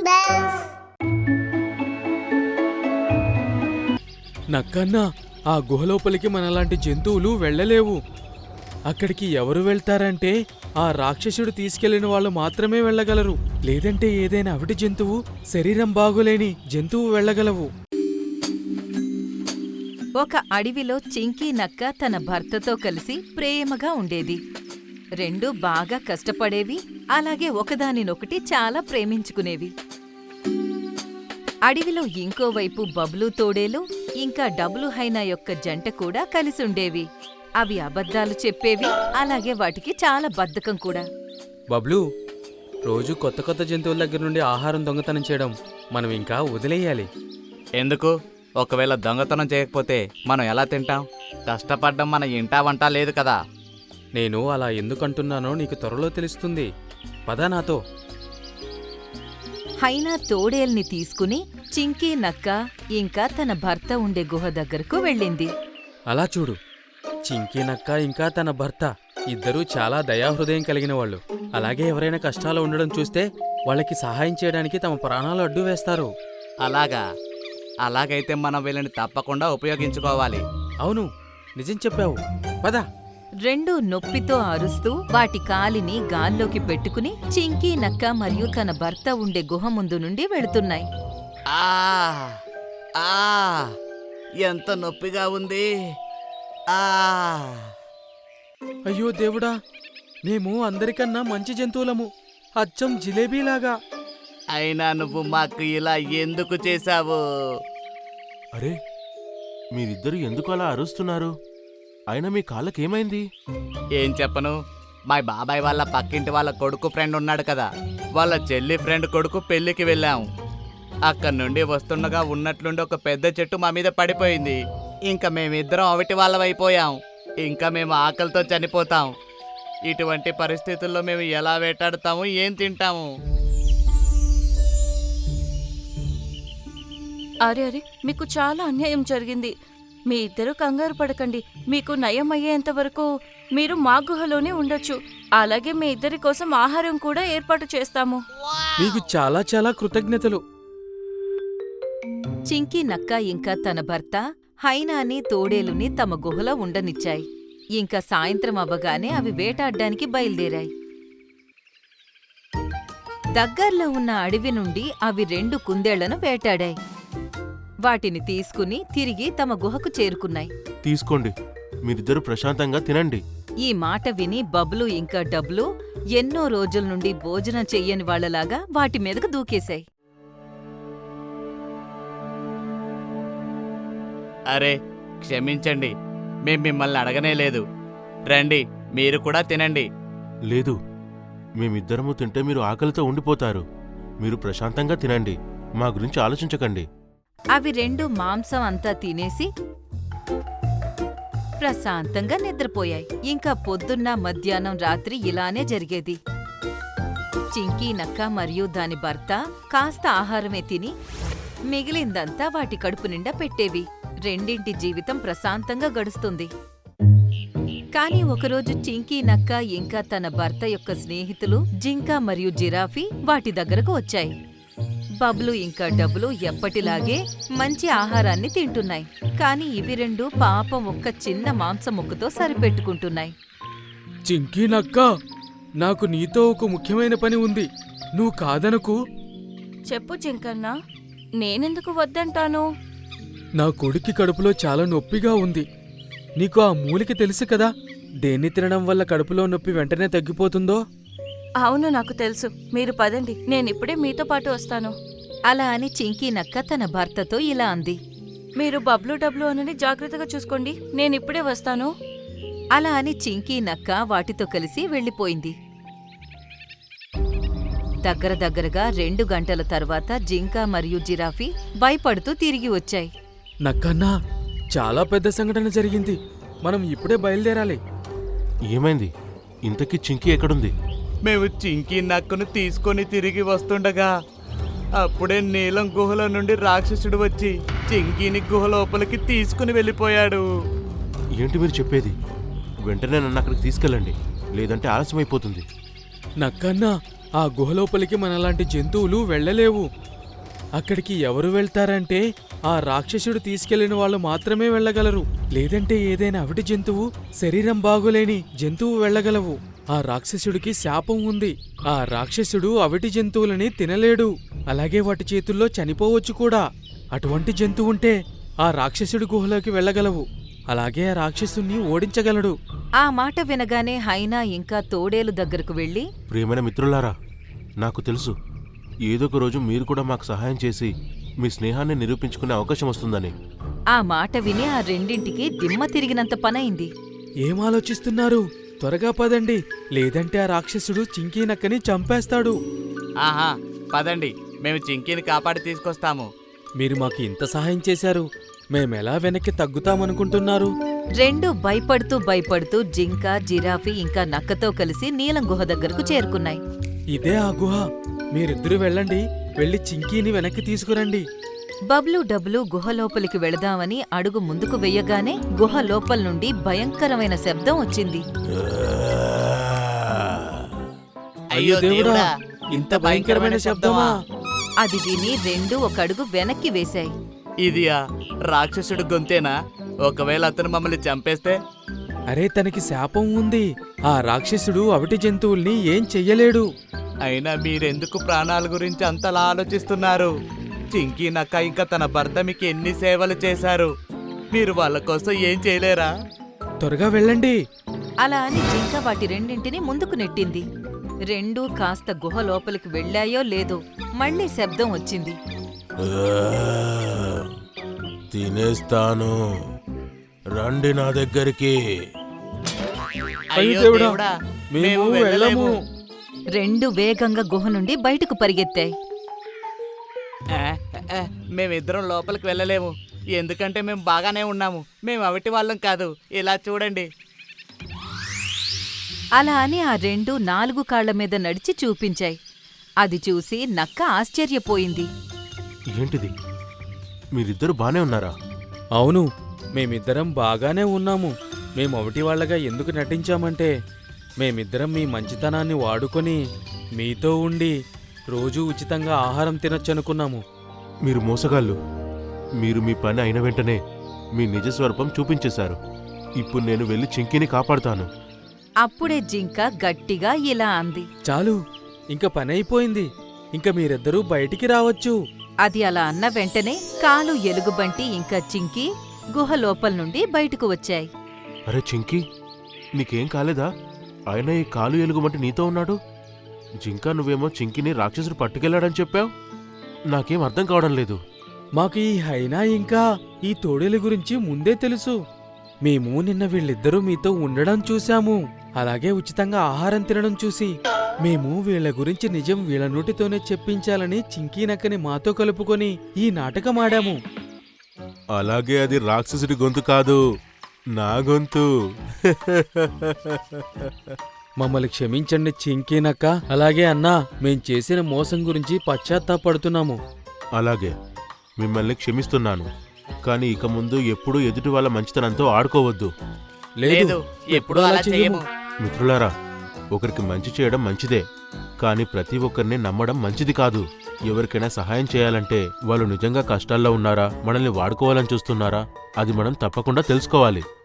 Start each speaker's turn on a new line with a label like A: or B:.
A: bells.
B: నక్కన్నా, ఆ గుహలోపలికి మనలాంటి జంతువులు వెళ్ళలేవు. అక్కడికి ఎవరు వెళ్తారంటే ఆ రాక్షసుడు తీసుకెళ్లిన వాళ్ళు మాత్రమే వెళ్ళగలరు. లేదంటే ఏదైనా అవిటి జంతువు, శరీరం బాగులేని జంతువు వెళ్ళగలవు.
C: ఒక అడవిలో చింకీ నక్క తన భర్తతో కలిసి ప్రేమగా ఉండేది. రెండూ బాగా కష్టపడేవి, అలాగే ఒకదానినొకటి చాలా ప్రేమించుకునేవి. అడవిలో ఇంకోవైపు బబ్లు తోడేలు ఇంకా డబ్లు హైనా యొక్క జంట కూడా కలిసుండేవి. అవి అబద్ధాలు చెప్పేవి, అలాగే వాటికి చాలా బద్ధకం కూడా.
B: బబ్లు, రోజు కొత్త కొత్త జంతువుల దగ్గర నుండి ఆహారం దొంగతనం చేయడం మనం ఇంకా వదిలేయాలి.
D: ఎందుకు? ఒకవేళ దొంగతనం చేయకపోతే మనం ఎలా తింటాం? కష్టపడ్డం మన ఇంటా వంట లేదు కదా.
B: నేను అలా ఎందుకంటున్నానో నీకు త్వరలో తెలుస్తుంది. పద నాతో.
C: హైనా తోడేల్ని తీసుకుని చింకీ నక్క ఇంకా తన భర్త ఉండే గుహ దగ్గరకు వెళ్ళింది.
B: అలా చూడు, చింకీ నక్క ఇంకా తన భర్త ఇద్దరూ చాలా దయాహృదయం కలిగిన వాళ్ళు. అలాగే ఎవరైనా కష్టాలు ఉండడం చూస్తే వాళ్ళకి సహాయం చేయడానికి తమ ప్రాణాలు అడ్డు వేస్తారు.
D: అలాగైతే మనం వీళ్ళని తప్పకుండా ఉపయోగించుకోవాలి.
B: అవును, నిజం చెప్పావు. పద.
C: రెండూ నొప్పితో అరుస్తూ వాటి కాలిని గాల్లోకి పెట్టుకుని చింకీ నక్క మరియు తన భర్త ఉండే గుహ ముందు నుండి వెళుతున్నాయి.
D: ఎంత నొప్పిగా ఉంది.
B: అయ్యో దేవుడా, మేము అందరికన్నా మంచి జంతువులము, అచ్చం జిలేబీలాగా.
D: అయినా నువ్వు మాకు ఇలా ఎందుకు చేశావు?
E: అరే, మీరిద్దరూ ఎందుకు అలా అరుస్తున్నారు? అయినా మీ కాళ్ళకేమైంది?
D: ఏం చెప్పను, మా బాబాయ్ వాళ్ళ పక్కింటి వాళ్ళ కొడుకు ఫ్రెండ్ ఉన్నాడు కదా, వాళ్ళ చెల్లి ఫ్రెండ్ కొడుకు పెళ్లికి వెళ్ళాం. అక్కడి నుండి వస్తుండగా ఉన్నట్లుండి ఒక పెద్ద చెట్టు మా మీద పడిపోయింది. ఇంకా మేమిద్దరం అవిటి వాళ్ళమైపోయాం. ఇంకా మేము ఆకలితో చనిపోతాం. ఇటువంటి పరిస్థితుల్లో మేము ఎలా వేటాడుతాము, ఏం తింటాము?
F: అరే, మీకు చాలా అన్యాయం జరిగింది. మీ ఇద్దరు కంగారు పడకండి. మీకు నయం అయ్యేంత వరకు మీరు మా గుహలోనే ఉండొచ్చు. అలాగే మీ ఇద్దరి కోసం ఆహారం కూడా ఏర్పాటు చేస్తాము.
B: మీకు చాలా చాలా కృతజ్ఞతలు.
C: చింకీ నక్క ఇంకా తన భర్త హైనాని తోడేలుని తమ గుహలో ఉండనిచ్చాయి. ఇంకా సాయంత్రం అవ్వగానే అవి వేటాడ్డానికి బయలుదేరాయి. దగ్గర్లో ఉన్న అడవి నుండి అవి 2 కుందేళ్లను వేటాడాయి. వాటిని తీసుకుని తిరిగి తమ గుహకు చేరుకున్నాయి.
E: తీసుకోండి, మీరిద్దరూ ప్రశాంతంగా తినండి.
C: ఈ మాట విని బబ్లు ఇంకా డబ్లు ఎన్నో రోజుల నుండి భోజనం చెయ్యని వాళ్లలాగా వాటి మీదకు దూకేశాయి.
D: అరే, క్షమించండి, మేం మిమ్మల్ని అడగనే లేదు. రండి, మీరు కూడా తినండి.
E: లేదు, మేమిద్దరము తింటే మీరు ఆకలితో ఉండిపోతారు. మీరు ప్రశాంతంగా తినండి, మా గురించి ఆలోచించకండి.
C: అవి 2 మాంసం అంతా తినేసి ప్రశాంతంగా నిద్రపోయాయి. ఇంకా పొద్దున్న, మధ్యాహ్నం, రాత్రి ఇలానే జరిగేది. చింకీ నక్క మరియు దాని భర్త కాస్త ఆహారమే తిని మిగిలిందంతా వాటి కడుపు నిండా పెట్టేవి. రెండింటి జీవితం ప్రశాంతంగా గడుస్తుంది. కాని ఒకరోజు చింకీ నక్క ఇంకా తన భర్త యొక్క స్నేహితులు జింక మరియు జిరాఫీ వాటి దగ్గరకు వచ్చాయి. బబ్లు ఇంకా డబ్లు ఎప్పటిలాగే మంచి ఆహారాన్ని తింటున్నాయి. కాని ఇవి 2 పాపం ఒక్క చిన్న మాంసం ముక్కతో సరిపెట్టుకుంటున్నాయి.
B: చింకీ నక్క, నాకు నీతో ఒక ముఖ్యమైన పని ఉంది, నువ్వు కాదనకు.
F: చెప్పు చింకన్నా, నేనెందుకు వద్దంటాను?
B: నా కొడుక్కి కడుపులో చాలా నొప్పిగా ఉంది. నీకు ఆ మూలిక తెలుసు కదా, దేన్ని తినడం వల్ల కడుపులో నొప్పి వెంటనే తగ్గిపోతుందో?
F: అవును, నాకు తెలుసు. మీరు పదండి, నేనిప్పుడే మీతో పాటు వస్తాను.
C: అలా అని చింకీ నక్క తన భర్తతో ఇలా అంది.
F: మీరు బబ్లు డబ్లు అని జాగ్రత్తగా చూసుకోండి, నేనిప్పుడే వస్తాను.
C: అలా అని చింకీ నక్క వాటితో కలిసి వెళ్ళిపోయింది. దగ్గరగా 2 గంటల తర్వాత జింక మరియు జిరాఫీ భయపడుతూ తిరిగి వచ్చాయి.
B: నక్కన్నా, చాలా పెద్ద సంఘటన జరిగింది, మనం ఇప్పుడే బయలుదేరాలి.
E: ఏమైంది? ఇంతకీ చింకీ ఎక్కడుంది?
D: మేము చింకీ నక్కను తీసుకొని తిరిగి వస్తుండగా అప్పుడే నీలం గుహలో నుండి రాక్షసుడు వచ్చి చింకీని గుహ లోపలికి తీసుకుని వెళ్ళిపోయాడు.
E: ఏంటి మీరు చెప్పేది? వెంటనే నన్ను అక్కడికి తీసుకెళ్ళండి, లేదంటే ఆలస్యమైపోతుంది.
B: నక్కన్నా, ఆ గుహలోపలికి మనలాంటి జంతువులు వెళ్ళలేవు. అక్కడికి ఎవరు వెళ్తారంటే ఆ రాక్షసుడు తీసుకెళ్లిన వాళ్ళు మాత్రమే వెళ్ళగలరు. లేదంటే ఏదైనా అవిటి జంతువు, శరీరం బాగులేని జంతువు వెళ్ళగలవు. ఆ రాక్షసుడికి శాపం ఉంది. ఆ రాక్షసుడు అవిటి జంతువులని తినలేడు, అలాగే వాటి చేతుల్లో చనిపోవచ్చు కూడా. అటువంటి జంతువుంటే ఆ రాక్షసుడి గుహలోకి వెళ్ళగలవు, అలాగే ఆ రాక్షసుణ్ణి ఓడించగలడు.
C: ఆ మాట వినగానే హైనా ఇంకా తోడేలు దగ్గరకు వెళ్లి,
E: ప్రియమైన మిత్రులారా, నాకు తెలుసు ఏదో ఒక రోజు మీరు కూడా మాకు సహాయం చేసి మీ స్నేహాన్ని నిరూపించుకునే అవకాశం వస్తుందని.
C: ఆ మాట విని ఆ రెండింటికి దిమ్మ తిరిగినంత పనైంది.
B: ఏం ఆలోచిస్తున్నారు? త్వరగా పదండి, లేదంటే ఆ రాక్షసుడు చింకీ నక్కని చంపేస్తాడు.
D: ఆహా, పదండి, మేము చింకీని కాపాడి తీసుకొస్తాము.
B: మీరు మాకు ఇంత సహాయం చేశారు, మేమెలా వెనక్కి తగ్గుతామనుకుంటున్నారు?
C: రెండూ భయపడుతూ జింక, జిరాఫీ ఇంకా నక్కతో కలిసి నీలం గుహ దగ్గరకు చేరుకున్నాయి.
B: ఇదే ఆ గుహ. మీరిద్దరూ వెళ్ళండి, వెళ్ళి చింకీని వెనక్కి తీసుకురండి.
C: బబ్లు డబ్లు గుహ లోపలికి వెళదామని అడుగు ముందుకు వెయ్యగానే గుహ లోపల నుండి భయంకరమైన శబ్దం వచ్చింది.
D: అయ్యో దేవుడా, ఇంత భయంకరమైన శబ్దమా?
C: అది విని రెండూ ఒక అడుగు వెనక్కి వేశాయి.
D: ఇదియా రాక్షసుడు గొంతేనా? ఒకవేళ అతను మమ్మల్ని చంపేస్తే?
B: అరే, తనకి శాపం ఉంది. ఆ రాక్షసుడు అవిటి జంతువుల్ని ఏం చెయ్యలేడు.
D: అయినా మీరెందుకు ప్రాణాల గురించి అంతలా ఆలోచిస్తున్నారు? చింకీ నక్క ఇంకా తన భర్త మీకు ఎన్ని సేవలు చేశారు, మీరు వాళ్ళ కోసం ఏం చేయలేరా?
B: త్వరగా వెళ్ళండి.
C: అలా అని జింక వాటి రెండింటిని ముందుకు నెట్టింది. రెండూ కాస్త గుహ లోపలికి వెళ్ళాయో లేదో మళ్ళీ శబ్దం వచ్చింది.
E: తినేస్తాను, రండి నా దగ్గరికి.
D: అయ్యో
B: దేవుడా,
D: దేవుడా,
B: మేము వెళ్ళము.
C: రెండు వేగంగా గుహ నుండి బయటకు పరిగెత్తాయి.
D: మేమిద్దరం లోపలికి వెళ్ళలేము, ఎందుకంటే మేము బాగానే ఉన్నాము. మేము అవిటి వాళ్ళం కాదు. ఇలా చూడండి.
C: అలా అని ఆ రెండు 4 కాళ్ల మీద నడిచి చూపించాయి. అది చూసి నక్క ఆశ్చర్యపోయింది.
E: ఏంటిది, మీరిద్దరు బానే ఉన్నారా?
B: అవును, మేమిద్దరం బాగానే ఉన్నాము. మేము అవిటి వాళ్ళగా ఎందుకు నటించామంటే, మేమిద్దరం మీ మంచితనాన్ని వాడుకొని మీతో ఉండి రోజూ ఉచితంగా ఆహారం తినొచ్చనుకున్నాము.
E: మీరు మోసగాళ్ళు. మీరు మీ పని అయిన వెంటనే మీ నిజ స్వరూపం చూపించేశారు. ఇప్పుడు నేను వెళ్ళి చింకీని కాపాడుతాను.
C: అప్పుడే జింక గట్టిగా ఇలా అంది.
B: చాలు, ఇంక పని అయిపోయింది. ఇంక మీరిద్దరూ బయటికి రావచ్చు.
C: అది అలా అన్న వెంటనే కాలు, ఎలుగుబంటి ఇంకా చింకి గుహ లోపల నుండి బయటకు వచ్చాయి.
E: అరే చింకీ, నీకేం కాలేదా? ఆయన ఈ కాలు ఎలుగుమంటే నీతో ఉన్నాడు. జింకా, నువ్వేమో చింకీని రాక్షసుడు పట్టుకెళ్లాడని చెప్పావు. నాకేం అర్థం కావడం లేదు.
B: మాకు ఈ హైనా ఇంకా ఈ తోడేల గురించి ముందే తెలుసు. మేము నిన్న వీళ్ళిద్దరూ మీతో ఉండడం చూశాము, అలాగే ఉచితంగా ఆహారం తినడం చూసి మేము వీళ్ళ గురించి నిజం వీళ్ళ నోటితోనే చెప్పించాలని చింకీ నక్కని మాతో కలుపుకొని ఈ నాటకం ఆడాము.
E: అలాగే అది రాక్షసుడి గొంతు కాదు, నా గొంతు.
B: మమ్మల్ని క్షమించండి చింకీ నక్క. అలాగే అన్నా, మేం చేసిన మోసం గురించి పశ్చాత్తాపడుతున్నాము.
E: అలాగే, మిమ్మల్ని క్షమిస్తున్నాను. కానీ ఇక ముందు ఎప్పుడూ ఎదుటి వాళ్ళ మంచితనంతో ఆడుకోవద్దు.
D: లేదు, ఎప్పుడూ అలా చేయము.
E: మిత్రులారా, ఒకరికి మంచి చేయడం మంచిదే, కానీ ప్రతి ఒక్కరిని నమ్మడం మంచిది కాదు. ఎవరికైనా సహాయం చేయాలంటే వాళ్ళు నిజంగా కష్టాల్లో ఉన్నారా, మనల్ని వాడుకోవాలని చూస్తున్నారా, అది మనం తప్పకుండా తెలుసుకోవాలి.